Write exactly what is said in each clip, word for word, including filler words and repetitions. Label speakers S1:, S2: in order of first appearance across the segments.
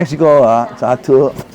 S1: เม็กซิโกเหรอสาธุ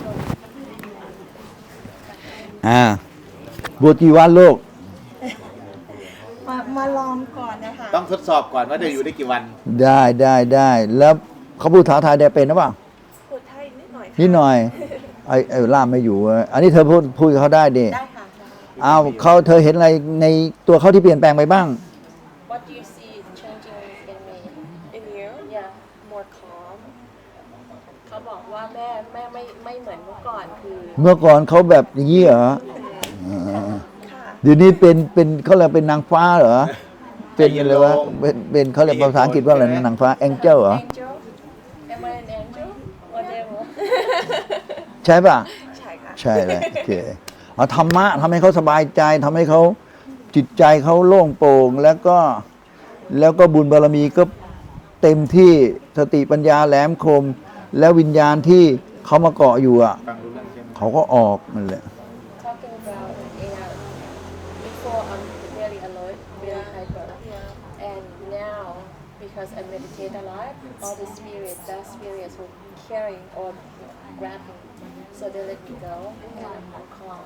S1: อ่าบวชกี่วันลูก
S2: มามาลองก่อนนะคะ
S3: ต้องทดสอบก่อนว่าจะอยู่ได้กี่วัน
S1: ได้ได้ได้แล้วเขาพูดภาษาไทยได้เป็นหรือเปล่า
S2: พูดไทยนิดหน่อย
S1: นิดหน่อยไอ้ไอ้ล่ามไม่อยู่อันนี้เธอพูดพูดกับเขาได้ดิ
S2: ได้ค่ะ
S1: อ้าวเขาเธอเห็นอะไรในตัวเขาที่เปลี่ยนแปลงไปบ้าง
S2: What do you see changing in me in you yeah more calm เขาบอกว่าแม่แม่ไม่ไม่เหมือนเมื่อก่อนคือ
S1: เมื่อก่อนเขาแบบอย่างนี้เหรอเดี๋ยวนี้เป็นเป็นเขาเรียกเป็นนางฟ้าเหรอเป็นอะไรวะเป็นเป็นเขาเรียกภาษาอังกฤษว่าอะไรนางฟ้าแองเจิลเหรอ
S2: Angel Am I an angel or devil
S1: ใช่ป่ะ
S2: ใช่ค่ะ
S1: ใช่เลยโอเคเอาธรรมะทำให้เขาสบายใจทำให้เขาจิตใจเขาโล่งโปร่งแล้วก็แล้วก็บุญบารมีก็เต็มที่สติปัญญาแหลมคมแล้ววิญญาณที่เขามาเกาะอยู่อ่ะเขาก็ออกนั่นแหละ
S2: Talking about yeah before I'm really alert really hyper and now because I meditate a lot all the spirits that spirits will carry or grab me so they let me go and I'm more calm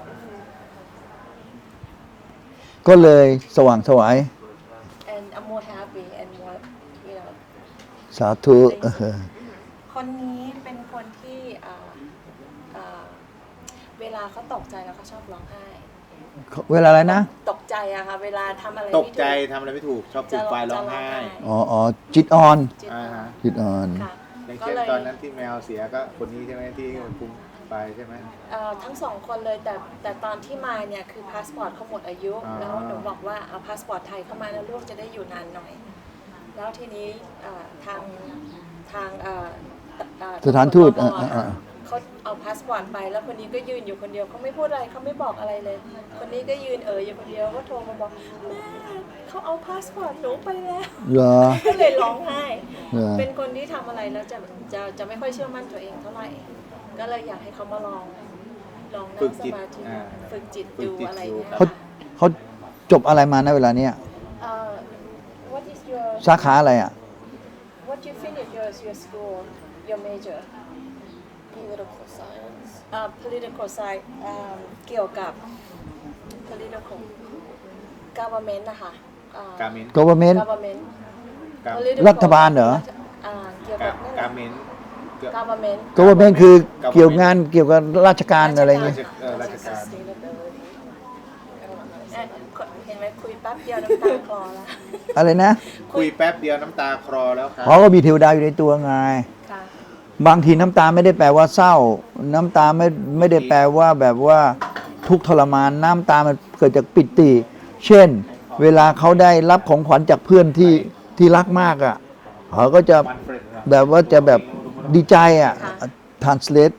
S1: ก็เลยสว่างไสว
S2: and I'm more happy and more you know
S1: สาธุ
S2: คนนี้เป็นคนที่อ่าอ่าเวลาเขาตกใจแล้วเขาชอบร้องไห้
S1: เวลาอะไรนะ
S2: ตกใจอะค่ะเวลาทำอะไร
S3: ตกใจทำอะไรไม่ถูกชอบฟูมไฟร้องไห้
S1: อ๋ออ๋อจิตอ่อน
S3: อ่าฮะ
S1: จิตอ่อน
S3: อย่างเช่นตอนนั้นที่แมวเสียก็คนนี้ใช่ไหมที่ฟูมไฟใช่ไหม
S2: ทั้งสองคนเลยแต่แต่ตอนที่มาเนี่ยคือพาสปอร์ตเขาหมดอายุแล้วหนูบอกว่าเอาพาสปอร์ตไทยเข้ามาแล้วลูกจะได้อยู่นานหน่อยแล้วทีนี้ทางทาง
S1: สถานทูต
S2: เขาเอาพาสปอร์ตไปแล้วคนนี้ก็ยืนอยู่คนเดียวเขาไม่พูดอะไรเขาไม่บอกอะไรเลยคนนี้ก็ยืนเอออยู่คนเดียวก็โทรมาบอกแม่เขาเอาพาสปอร์ตหนูไปแล้วก็เลยร้องไห้เป็นคนที่ทำอะไรแล้วจะจะจะไม่ค่อยเชื่อมั่นตัวเองเท่าไหร่ก็เลยอยากให้เขามาลองลองนั่งสมาธิฝึกจิตดูอะไรเงี้ย
S1: เขาเขาจบอะไรมาในเวลาเนี้ยสาขาอะไรอ่ะ
S2: What you finish your your school your major political science อ่า political science เกี่ยวกับ political government นะคะ
S1: government
S2: government
S1: รัฐบาลเหรอ
S2: เกี่ยวกับ
S3: government
S2: government
S1: government คือเกี่ยวงานเกี่ยวกับราชการอะไรเงี้ย
S3: ราชการ
S2: เห็นไหมคุยแป๊บเดียวน้ำตาคลอแล้ว
S1: อะไรนะ
S3: คุยแป๊บเดียวน้ำตาคลอแล้วครับ
S1: เขาก็มีเทวดาอยู่ในตัวไงบางทีน้ำตาไม่ได้แปลว่าเศร้าน้ำตาไม่ไม่ได้แปลว่าแบบว่าทุกข์ทรมานน้ำตามันเกิดจากปิติ เช่นเวลาเขาได้รับของขวัญจากเพื่อนที่ที่รักมากอ่ะเขาก็จะแบบว่าจะแบบดีใจอ่ะ translate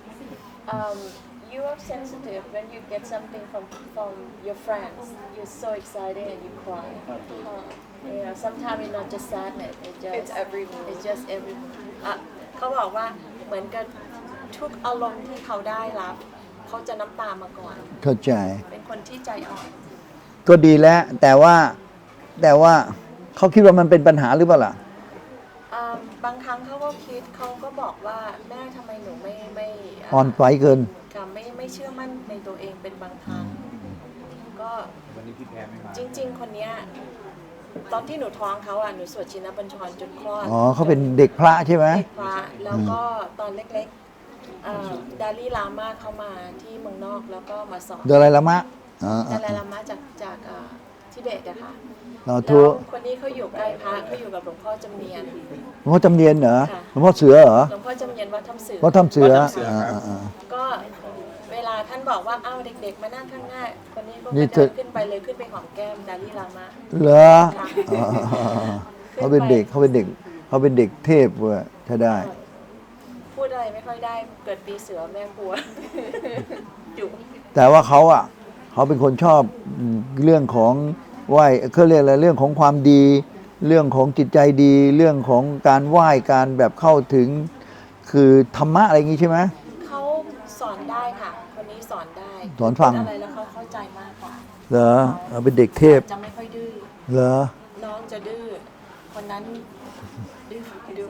S2: you are sensitive when you get something from from your friends you're so excited and you cry you know sometimes it's not just sadness it's just it's every it's just every เขาบอกว่าเหมือนกับทุกอารมณ์ที่เขาได้รับเขาจะน้ำตามาก่อน
S1: เข้าใจ
S2: เป็นคนที่ใจอ่อน
S1: ก็ดีแล้วแต่ว่าแต่ว่าเขาคิดว่ามันเป็นปัญหาหรือเปล่าล่ะ
S2: บางครั้งเขาก็คิดเขาก็บอกว่าแม่ทำไมหนูไม่ไม่
S1: อ่อนไหวเกิน
S2: ค่ะไม่ไม่เชื่อมั่นในตัวเองเป็นบางครั้งก็
S3: วันนี้พี่แพ้ไม่มา
S2: จริงๆคนเนี้ยตอนที่หนูท้องเขาอ่ะหนูสวดชินบัญชรจนคลอด
S1: อ๋อเขาเป็นเด็กพระใช่ไหม
S2: เด็กพระแล้วก็ตอนเล็กๆดาลีลามาเข้ามาที่เมืองนอกแล้วก็มาสอน
S1: ดาลีลามะ
S2: ดาลีลามะจากจากทิเบตอะค่ะ
S1: แล้ว
S2: คนนี้เขาอยู่ใกล้พระเขาอยู่กับหลวงพ่อจำเนียน
S1: หลวงพ่อจำเนียนเหรอหลวงพ่อเสือเหรอ
S2: หลวงพ่อจำเนียนวัดถ้ำเสือ
S1: วัดถ้ำเสือ
S2: ก็เวลาท่านบอกว่าเอ้าเด็กๆมานั่งข้างหน้าคนนี้ก็เดินขึ้นไปเลยขึ้นไปหอมแก้มดาลีลามะ
S1: เหรอเขาเป็นเด็กเขาเป็นเด็กเขาเป็นเด็กเทพเว้ยใช่ได้
S2: พูดอะไรไม่ค่อยได้เกิดปีเสือแม่กลัวอยู่
S1: แต่ว่าเขาอ่ะเขาเป็นคนชอบเรื่องของไหว้เขาเรียกอะไรเรื่องของความดีเรื่องของจิตใจดีเรื่องของการไหว้การแบบเข้าถึงคือธรรมะอะไรอย่างงี้ใช่ไหม
S2: เขาสอนได้ค่ะคนนี้สอนได้
S1: สอนฟัง
S2: อะไรแล้วเขาเข้าใจมากกว่า
S1: เหรอเขาเป็นเด็กเทพ
S2: จะไม่ค่อยดื้อ
S1: เหรอ
S2: น้องจะดื้อคนนั้นดื้อดื้อ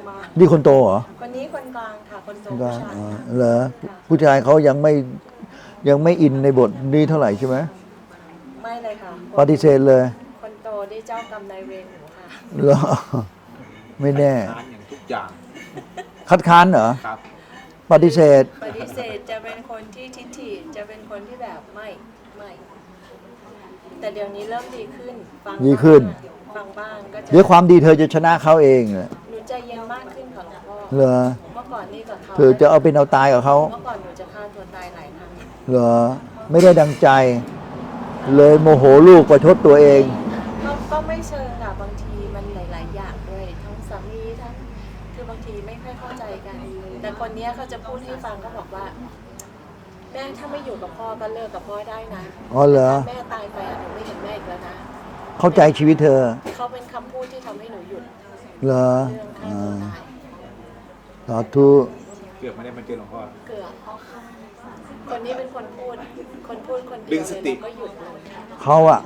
S2: มา
S1: นี่คนโตเหรอ
S2: คนนี้คนกลางค่ะคนโต
S1: ก็
S2: ผู้ชาย
S1: อ๋อเหรอผู้ชายเขายังไม่ยังไม่อินในบทนี้เท่าไหร่ใช่ไหม
S2: ไม่เลยค่ะ
S1: ปฏิเสธเลย
S2: คนโตได้เจ้ากรรมนายเวรหนูค่ะ
S1: เหรอไม่แน่
S3: ทานอย่างทุกอย่าง
S1: คัดค้านเหรอ
S3: ครับ
S1: ปฏิเสธ
S2: ปฏิเสธจะเป็นคนที่ทิฐิจะเป็นคนที่แบบไม่ไม่แต่เดี๋ยวนี้เริ่มดีขึ้นฟัง
S1: ดีขึ้น
S2: ฟังบ้างก็จะ
S1: เดี๋ยวความดีเธอจะชนะเขาเองแหละ
S2: หนูใจเย็นมากขึ้นค่ะหลวงพ่อ
S1: เหรอ
S2: เมื่อก่อนนี่กับเขา
S1: เธอจะเอาเป็นเอาตายกับเขา
S2: เมื่อก่อนหนูจะฆ่าตัวตายหลายครั้ง
S1: เหรอไม่ได้ดังใจ เลยโมโหลูกประชดตัวเอง
S2: ก็ก็ไม่เชิงค่ะบางทีมันหลาย ๆ อย่างด้วยทั้งสามีทั้งคือบางทีไม่ค่อยเข้าใจกัน แต่คนเนี้ยเขาจะพูดให้ฟังก็บอกว่า แม่ถ้าไม่อยู่กับพ่อก็เลิกกับพ่อได้นะ
S1: อ๋อเหรอ
S2: แม่ตายไปอะหนูไม่เห็นแม่อีกแล้วนะ
S1: เข้าใจชีวิตเธอ
S2: เขาเป็นคำพูดที่ทำให้หนูหยุด
S1: เหรอ
S2: เรื่องฆ่า
S1: อ่
S2: ตัว
S1: า
S2: ตาย
S1: สาธุ
S3: เกือบไม่ได้มาเจอหลวงพ่อ
S2: เกือบคนนี้เป็นคนพูด คนพูดคนเดี
S3: ดึ
S2: ยว
S3: งส
S2: เลย
S3: ติ
S2: เราก็หยุดเลย
S1: เขาอะ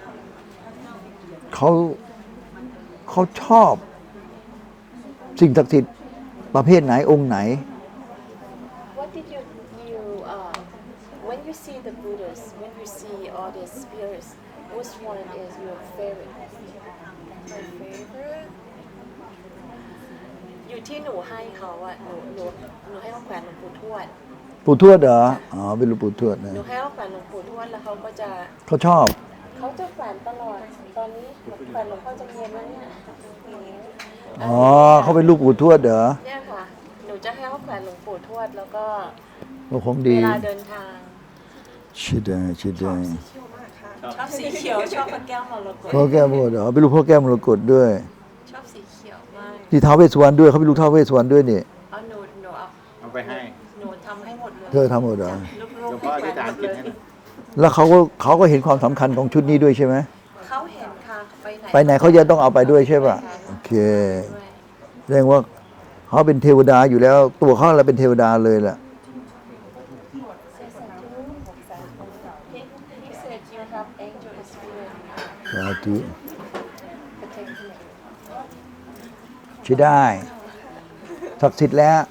S1: เขาเขาชอบ สิ่งศักดิ์สิทธิ์ประเภทไหนองค์ไหน
S2: What did you you uh when you see the Buddhas when you see all the spirits which one is your favorite my favorite อยู่ที่หนูให้เขาอะหนูหนูหนูให้เขาแขวนหลวงปู่ทวด
S1: ปู่ทวดเหรอ อ๋อ เป็นหลวงปู่ทวดนะ
S2: หนูให้เขาแขวนหลวงปู่ทวดแล้วเขาก็จะ
S1: เขาชอบ
S2: เขาจะแขวนตลอด ตอนนี้แขวนหลวงพ่อจำเนียนแล้วเนี่ย
S1: อ๋อ เขาเป็นลูกปู่ทวดเหรอ
S2: เนี่ยค่ะ หนูจะให้เขาแขวนหลวงปู่ทวดแล้วก็
S1: ก็คง
S2: เว
S1: ดี
S2: ลาเดินทาง
S1: ชิดได้ชิดได้
S2: ชอบสีเขียว ชอบพระแก้วมรกต
S1: พ่อแก้วมรกตเหรอ เป็นลูกพ่อแก้วมรกตด้วย
S2: ชอบสีเขียวมาก
S1: ที่ท้าวเวสสวรรณด้วย เขาเป็นลูกท้าวเวสสวรรณด้วยนี่
S2: เอาหนูหนูเอา
S3: เอาไปให้
S2: หนูทำให้หมดเลย
S1: เธอทำหมดเหรอ
S2: ลูก
S3: หลวง
S2: ๆ
S3: พ่ออ
S2: ให้
S3: ธิษ
S2: แขว
S3: ฐาน
S2: นหม
S3: จิ
S2: ด
S3: ต
S2: เลย
S3: ให้หน่อย
S1: แล้วเขาก็เขาก็เห็นความสำคัญของชุดนี้ด้วยใช่ไหม
S2: เขาเห็นค่ะ ไปไหน
S1: ไปไหนเขาจะต้องเอาไปด้วยใช่ป่ะ โอเค
S2: ด้วย
S1: แสดงว่าเขาเป็นเทวดาอยู่แล้ว ตัวเขาเราเป็นเทวดาเลยแหละ
S2: He said you have angel spirit
S1: สาธุ
S2: protecting
S1: ใช่ได้ศักดิ์สิทธิ์แล้ว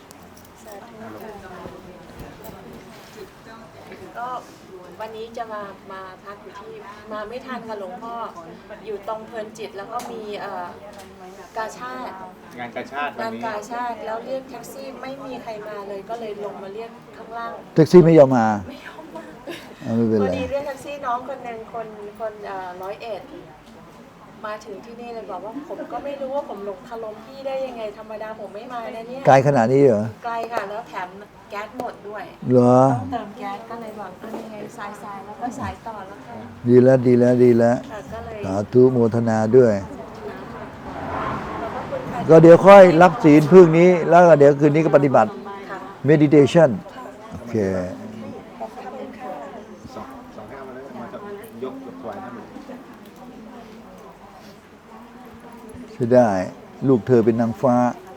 S2: ก็วันนี้จะมามาพักอยู่ที่มาไม่ทันค่ะหลวงพ่อ อยู่ตรงเพลินจิตแล้วก็มีเอ่อกาชาติ
S3: งานกาชาติวั
S2: งาน น
S3: นี้
S2: กาชาติแล้วเรียกแท็กซี่ไม่มีใครมาเลยก็เลยลงมาเรียกข้างล่าง
S1: แท็กซี่ไม่ยอมมา
S2: ไม่ยอมมา
S1: เอาไม่เป็น
S2: พอ
S1: ไร
S2: ดีเรียกแท็กซี่น้องคนหนึ่งคนคนเอ่อร้อยเอ็ดมาถึงที่นี่เลยบอกว่าผมก็ไม่รู้ว่าผมหลงคารมพี่ได้ยังไงธรรมดาผมไม่มานะเนี่ย
S1: ไกลขนาดนี้เหรอ
S2: ไกลค่ะแล้วแถมแก๊สหมดด้วย
S1: เหรอ
S2: ต้องเติมแก๊สก็เลยบอกเออยังไงสายสายๆแล้วก็สายต่อแล้วค่ะ
S1: ดีแล้วดีแล้วดีแล้ว
S2: ค่ะก็เลย
S1: สาธุโมทนาด้วย
S2: ขอบพระคุณค่ะ
S1: ก็เดี๋ยวค่อยรับศีลพึ่งนี้ แล้วก็เดี๋ยวคืนนี้ก็ปฏิบัติ
S2: ค่ะ
S1: meditation โอเค
S2: ขอบคุณค่ะ
S3: สองสองให้เอามาเลยมาจะยกถวายท่านหลวง
S1: ใช่ได้ ลูกเธอเป็นนางฟ้า
S2: ข